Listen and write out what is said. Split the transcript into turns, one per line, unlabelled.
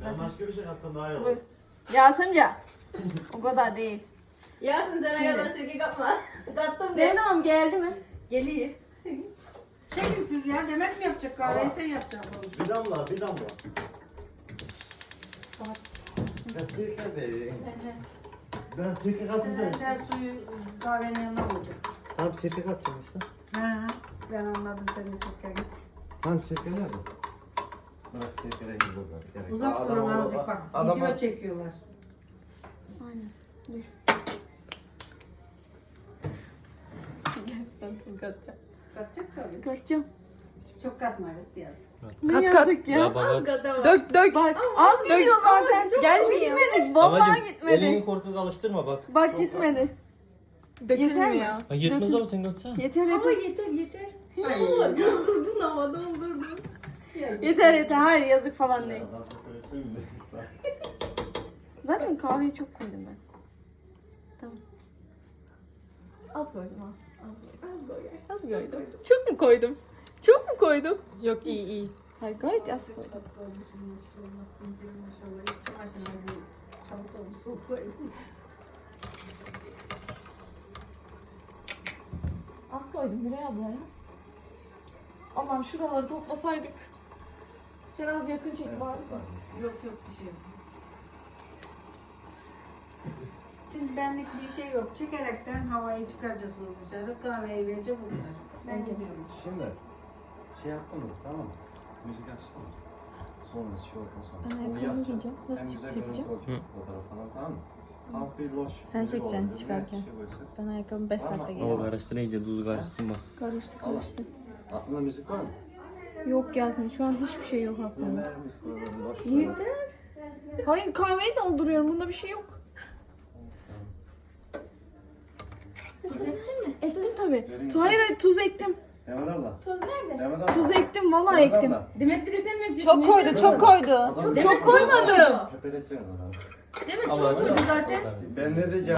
Ben başka bir şey aslında daha iyi olur.
Bu. Yasinca. O kadar değil.
Yasin sen ayağına sirke katma. Kattım de.
Devamım geldi mi?
Geliyor.
Çekin siz ya. Demet mi yapacak kahveyi sen yapacaksın.
Bir damla, bir damla. Ben sirke değil. Ben sirke katmayacağım işte.
Sen suyu kahvenin yanına olacak.
Tamam sirke katacağım işte.
Ha, ben anladım senin sirkeni.
Hani sirke nerede? Bırak sirke rengi bozar. Gerek yok.
Uzak durun azıcık bak. Video çekiyorlar.
Aynen. Dur. Gerçekten tuz katacağım.
Katacak tabii.
Katacağım.
Çok katmayız yaz.
Kat kat.
Ya baba.
Dök dök. Bak az gidiyor zaten. Gelmiyor. Gitmedi. Vallahi
Babacım,
gitmedi.
elini korkak alıştırma bak.
Bak gitmedi. Dökülmüyor.
Ha, yetmez ama sen katsana.
Yeter
Ama
yeter.
yeter. Ay. Doldurdun ama doldurdun.
Yeter yeter. Hayır yazık falan değil.
Adam çok öyle tüm de.
Zaten kahveyi çok koydum ben. Tamam. Az koydum az. Az koydum. Az koydum. Çok mu koydum? Çok mu koydum?
Yok iyi.
Hayır gayet az koydum.
Maşallah. İç çamaşırına bir çabuk olmuş olsaydı.
Az koydum Gülay abla ya. Allah'ım şuraları toplasaydık. Sen az yakın çek bari de.
Yok bir şey yok. Şimdi benlik bir şey yok. Çekerekten havayı çıkaracaksınız dışarı. Kahveyi verecek o kadar. Ben gidiyorum.
Şimdi şey yaptınız tamam mı? Müzik açtınız. Sonra şey oldu sonra.
Ben
Onu
ayakkabımı
yapacağız.
giyeceğim. Nasıl
En güzel
çekeceğim?
görüntü olacak fotoğraf falan tamam mı? Hafif bir loş.
Sen
müzik
çekeceksin
olur,
çıkarken.
bir şey koysun.
Ben ayakkabımı 5 saatte
Baba
giyiyorum.
karıştır iyice tuz karışsın bak.
Karıştı karıştı.
Aklında müzik var mı?
Yok Yasemin şu an hiçbir şey yok aklımda.
Ne müzik koyalım? Loş
Yeter. Hayır kahveyi dolduruyorum bunda bir şey yok. Tuz ektin mi? Ektim tabii. Hayır hayır tuz ektim.
Demet abla.
Tuz nerede?
Demet abla.
Tuz ektim vallahi
Demet
ektim.
abla.
Demet bir de sen mi yapacaksın?
Çok koydu çok koydu.
Adam-
Çok koymadım.
Pepeleteceğiz adamı.
Demet
Abla,
çok koydu zaten.
Ben ne diyeceğim?